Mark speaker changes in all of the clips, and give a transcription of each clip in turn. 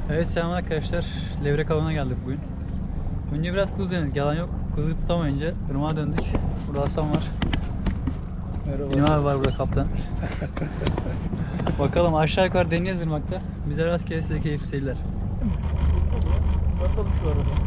Speaker 1: Evet, selam arkadaşlar. Levrek avına geldik bugün. Önce biraz kuzu denedik, yalan yok. Kuzu tutamayınca ırmağa döndük. Burada Hasan var.
Speaker 2: Merhaba.
Speaker 1: Benim abi var burada, kaptan. Bakalım, aşağı yukarı deneyeceğiz ırmakta. Bize rastgele, size keyifli seyirler.
Speaker 2: Bakalım şu arada.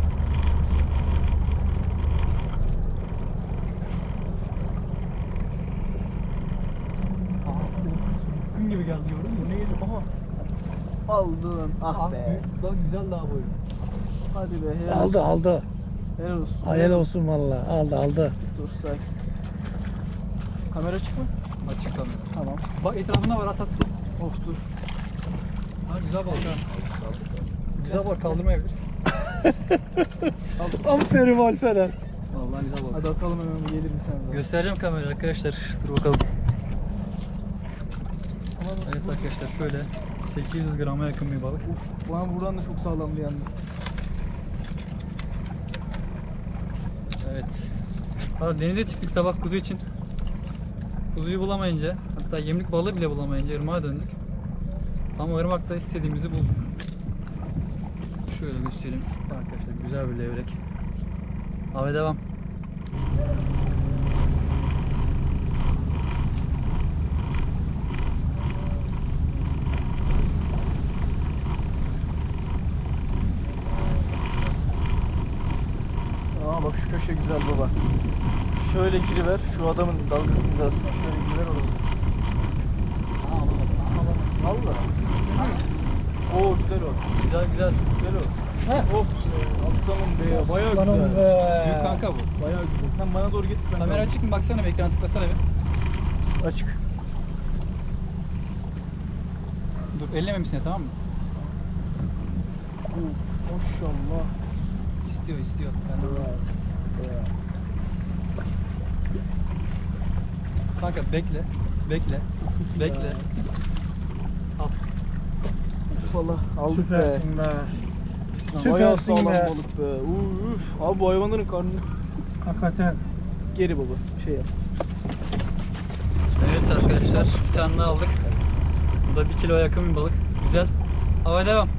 Speaker 1: Gün gibi geldi, gördün mü?
Speaker 2: Ne geliyor? Aha. Aldın. Ah be.
Speaker 1: Bak, güzel daha boyu.
Speaker 2: Hadi be. Helal
Speaker 3: Aldı aldı.
Speaker 2: Helal olsun.
Speaker 3: Hayal olsun valla. Aldı.
Speaker 2: Dur sakin. Kamera açık mı?
Speaker 1: Açık kamera.
Speaker 2: Tamam.
Speaker 1: Bak, etrafında var, at.
Speaker 2: Of dur.
Speaker 1: Ha, güzel balık ha. Güzel balık, kaldırmayabilir.
Speaker 3: Aferin Alperen.
Speaker 1: Vallahi güzel balık.
Speaker 2: Hadi atalım hemen, gelir bir tane daha.
Speaker 1: Göstereceğim kamerayı arkadaşlar. Dur bakalım. Evet arkadaşlar, şöyle 800 grama yakın bir balık.
Speaker 2: Uf, lan buradan da çok sağlamdı yalnız.
Speaker 1: Evet. Valla denize çıktık sabah kuzu için. Kuzuyu bulamayınca, hatta yemlik balığı bile bulamayınca ırmağa döndük. Ama ırmakta istediğimizi bulduk. Şöyle göstereyim arkadaşlar, güzel bir levrek. Abi devam.
Speaker 2: Aa bak, şu köşe güzel baba. Şöyle giriver, şu adamın dalgası hizasına şöyle giriver orada. Valla. Oo güzel o.
Speaker 1: Güzel güzel.
Speaker 2: Güzel o. Heh. Of aslanım be, bayağı
Speaker 3: Aslanım
Speaker 2: güzel.
Speaker 3: be.
Speaker 1: Büyük kanka bu.
Speaker 2: Bayağı güzel. Sen bana doğru git. ben
Speaker 1: Kamera
Speaker 2: de-
Speaker 1: açık mı? Baksana bir, ekran tıklasana bir.
Speaker 2: Açık.
Speaker 1: Dur, ellememişsin tamam mı?
Speaker 2: Maşallah.
Speaker 1: İstiyor. Ben de Kanka bekle. Bekle. Al.
Speaker 2: Valla aldık
Speaker 3: Süpersin be.
Speaker 2: be. Bayağı
Speaker 3: Süpersin
Speaker 2: sağlam
Speaker 3: be.
Speaker 2: balık be. Uf. Abi bu hayvanların karnı.
Speaker 3: Hakikaten.
Speaker 2: Geri baba. Şey yap.
Speaker 1: Evet arkadaşlar, bir tane daha aldık. Bu da 1 kiloya yakın bir balık. Güzel. Hava devam.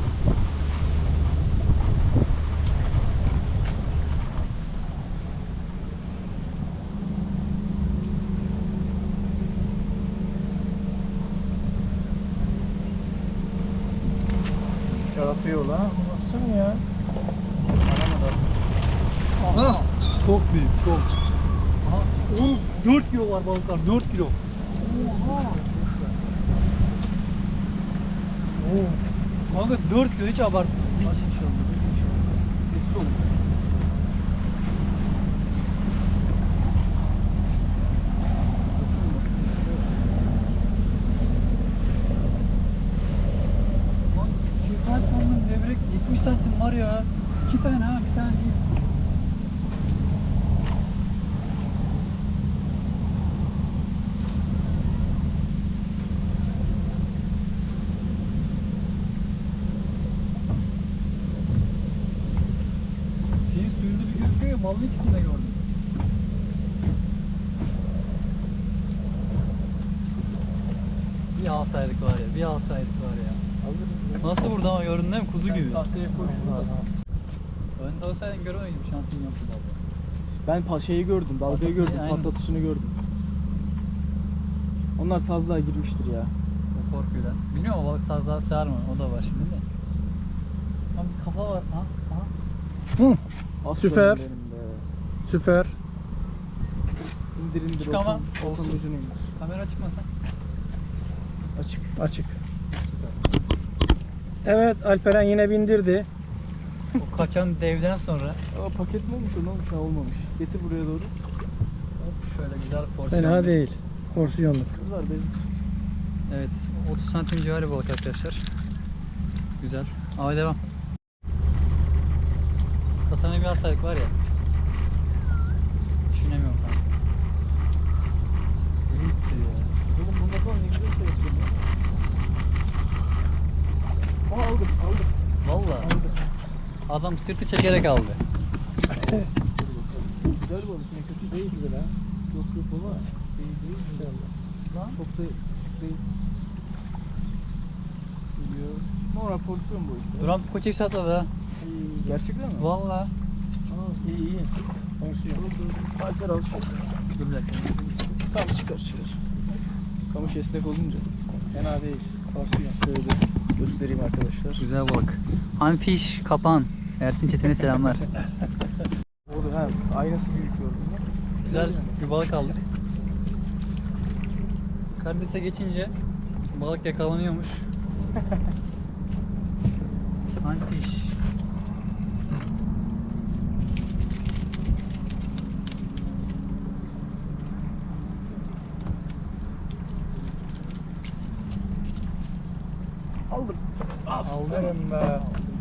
Speaker 3: Yaratıyor lan. Baksana ya.
Speaker 1: Aramadı aslında.
Speaker 3: Aha. Çok büyük, çok.
Speaker 1: Aha. Oğlum 4 kilo var balıklar, 4 kilo.
Speaker 3: Oha.
Speaker 1: Kanka 4 kilo, hiç abart. Hiç.
Speaker 2: Sessiz olun.
Speaker 1: Lan şeker sandım, levrek 70 santim var ya. 2 tane ha, bir tane değil. Şeyin suyunda bir gözüküyor ya, malın ikisini de gördüm. Bir alsaydık var ya, bir alsaydık var ya.
Speaker 2: Alırız ya.
Speaker 1: Nasıl burada ama, gördün değil mi? Kuzu
Speaker 2: Sen
Speaker 1: gibi.
Speaker 2: sahteye koy şunu da.
Speaker 1: Önde olsaydın göremeydim, şansın yoktu vallahi.
Speaker 2: Ben şeyi gördüm, dalgayı gördüm,
Speaker 1: Aynen.
Speaker 2: patlatışını gördüm. Onlar sazlığa girmiştir ya.
Speaker 1: O korkuyla. Bilmiyorum, o balık sazlığa sığar mı? O da var şimdi de. Tam bir kafa var. Ha?
Speaker 3: Hı.
Speaker 2: Aslanım
Speaker 3: Süper.
Speaker 2: benim be.
Speaker 3: Süper.
Speaker 2: İndir
Speaker 1: Çık ama
Speaker 2: olsun.
Speaker 1: olsun.
Speaker 2: Ucunu indir.
Speaker 1: Kamera çıkmasa.
Speaker 2: Açık.
Speaker 3: Açık. Evet, Alperen yine bindirdi.
Speaker 1: O kaçan devden sonra
Speaker 2: Aa, paket mi olmuş o, ne olmuş? Ha, olmamış. Getir buraya doğru.
Speaker 1: hop şöyle güzel porsiyon.
Speaker 3: Fena değil. Porsiyonluk.
Speaker 2: Kız var bez.
Speaker 1: Evet, 30 santim civarı balık arkadaşlar. Güzel. Ama devam. Katana bir alsaydık var ya. Düşünemiyorum ben. Elim titriyor ya.
Speaker 2: Oğlum bunlar falan ne güzel şey yapıyor ya. Aa aldım.
Speaker 1: Vallahi adam sırtı çekerek aldı.
Speaker 2: Güzel balık, ne kötü değil güzel ha. Yok baba. Değil inşallah.
Speaker 1: Lan
Speaker 2: Çok da değil. Geliyor. Normal porsiyon bu işte.
Speaker 1: Duran koç hepsi atladı ha.
Speaker 2: Gerçekten mi?
Speaker 1: Valla.
Speaker 2: Aa, iyi.
Speaker 3: Porsiyon.
Speaker 2: Alper al şu.
Speaker 1: Dur bir dakika.
Speaker 2: Tam çıkar. Kamış esnek olunca.
Speaker 3: Fena değil. Porsiyon.
Speaker 2: Şöyle göstereyim arkadaşlar.
Speaker 1: Güzel balık. Hanfiş kapan. Ersin Çetin'e selamlar.
Speaker 2: Orada aynası büyük gördün mü?
Speaker 1: Güzel bir balık aldık. Karides'e geçince balık yakalanıyormuş. Hanfiş.
Speaker 2: Aldım.
Speaker 3: Aferin be.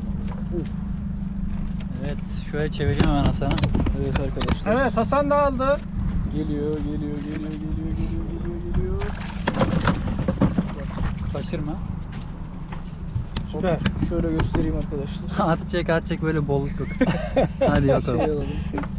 Speaker 1: Evet, şöyle çevireyim hemen Hasan'a.
Speaker 2: Evet arkadaşlar.
Speaker 3: Evet, Hasan da aldı.
Speaker 2: Geliyor.
Speaker 1: Kaçırma.
Speaker 3: Süper.
Speaker 2: Şöyle göstereyim arkadaşlar.
Speaker 1: at çek böyle bolluk yok. Hadi bakalım.
Speaker 2: Şey alalım.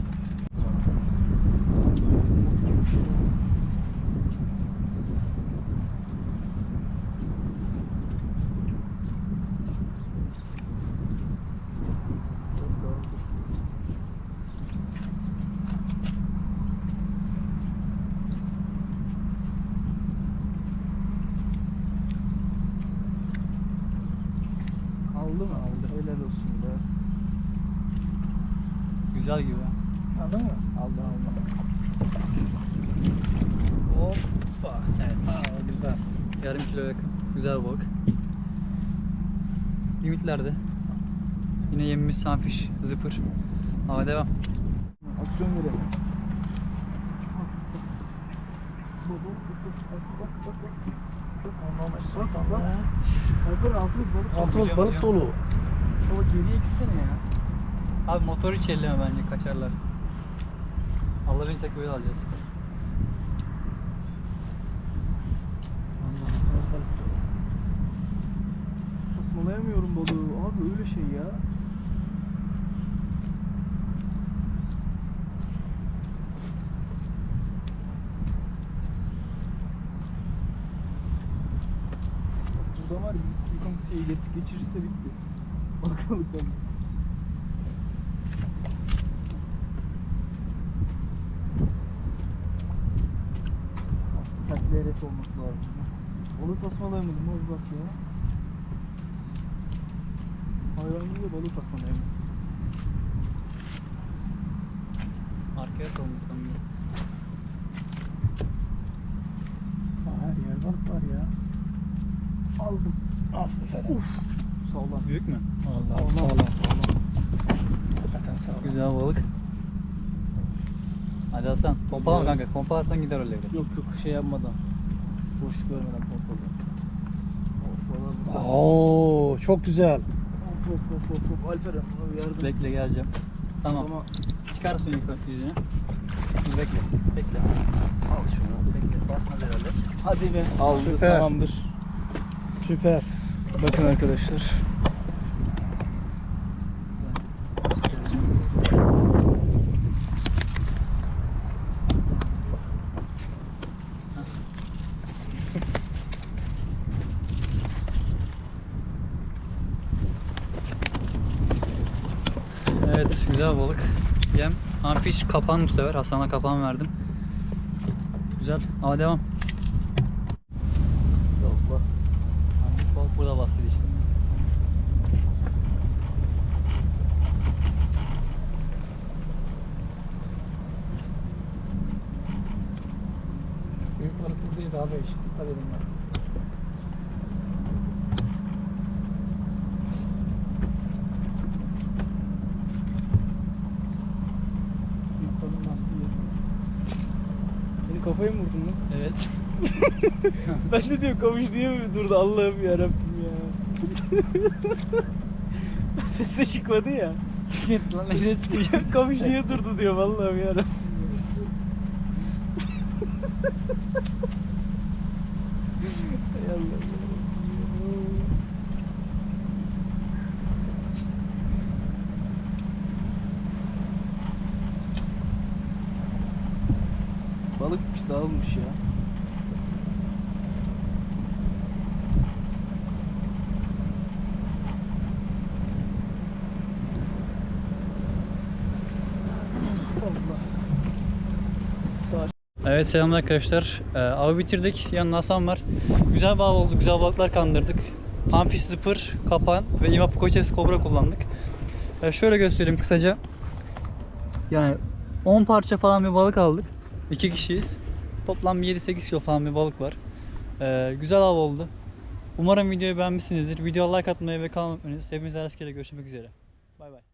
Speaker 2: Aldı mı? Aldı. Helal olsun be.
Speaker 1: Güzel gibi.
Speaker 3: Aldın mı?
Speaker 2: Aldı.
Speaker 1: Hoppa. Evet.
Speaker 3: Aa, güzel.
Speaker 1: Yarım kilo yakın. Güzel balık. Limitlerde. Yine yemimiz sunfish, zıpır. Hava devam.
Speaker 2: Aksiyon verelim. Alper altımız balık.
Speaker 3: Altımız balık dolu.
Speaker 2: Baba geriye gitsene ya.
Speaker 1: Abi motoru hiç elleme bence, kaçarlar. Alırsak böyle alacağız.
Speaker 2: Tasmalayamıyorum balığı. Abi öyle şey ya. Burada var ya bir silikon şeyi geçirirse bitti. Balıktan. Sert bir eret olması lazım. Balık tasmalayamadım abi bak ya. Hayvan gibi de balık tasmalayamadım.
Speaker 1: Arkaya atalım bakalım.
Speaker 3: Her yer balık var ya.
Speaker 2: Aldım.
Speaker 3: Aferin.
Speaker 2: Uf. Sağlam.
Speaker 1: Büyük mü?
Speaker 3: Vallahi
Speaker 2: Sağlam.
Speaker 3: sağlam. Hakikaten sağlam.
Speaker 1: Güzel balık. Hadi Hasan, pompalama kanka. Pompalarsan gider öyle.
Speaker 2: Yok şey yapmadan. Boş görmeden pompalı. Pompalı.
Speaker 3: Oo, çok güzel.
Speaker 2: Hop. Alperen buna bir yardım.
Speaker 1: Bekle geleceğim. Tamam.
Speaker 2: Ama
Speaker 1: Çıkarsın yukarı yüzünü. Dur bekle. Al şunu. Bekle. Basmaz herhalde.
Speaker 2: hadi be. Aldı
Speaker 3: Süper.
Speaker 2: tamamdır.
Speaker 3: Süper.
Speaker 2: Bakın arkadaşlar.
Speaker 1: Evet, güzel balık. Yem. Amfiş kapan bu sefer. Hasan'a kapan verdim. Güzel. Ama devam.
Speaker 2: Allah.
Speaker 1: Amfiş balık burada bastıydı işte.
Speaker 3: Büyük balık buradaydı abi işte. Dikkat edin bak.
Speaker 2: Büyük balığın lastiği. Seni kafaya mı vurdun lan?
Speaker 1: Evet.
Speaker 2: Ben de diyorum kamış niye mi durdu Allah'ım yarabbim ya. Ses de çıkmadı ya.
Speaker 1: Git lan ne çıkıyor?
Speaker 2: Kamış niye durdu diyor Allah'ım yarabbim. Hay Allah. Balıkmış dağılmış ya.
Speaker 1: Evet, selamlar arkadaşlar. Avı bitirdik. Yanında Hasan var. Güzel bir av oldu. Güzel balıklar kandırdık. Panfish, zıpır, kapan ve imap koçes kobra kullandık. Şöyle göstereyim kısaca. Yani 10 parça falan bir balık aldık. 2 kişiyiz. Toplam 7-8 kilo falan bir balık var. Güzel av oldu. Umarım videoyu beğenmişsinizdir. Videoya like atmayı ve kanalıma abone olmayı. Hepinize rastgele görüşmek üzere. Bay bay.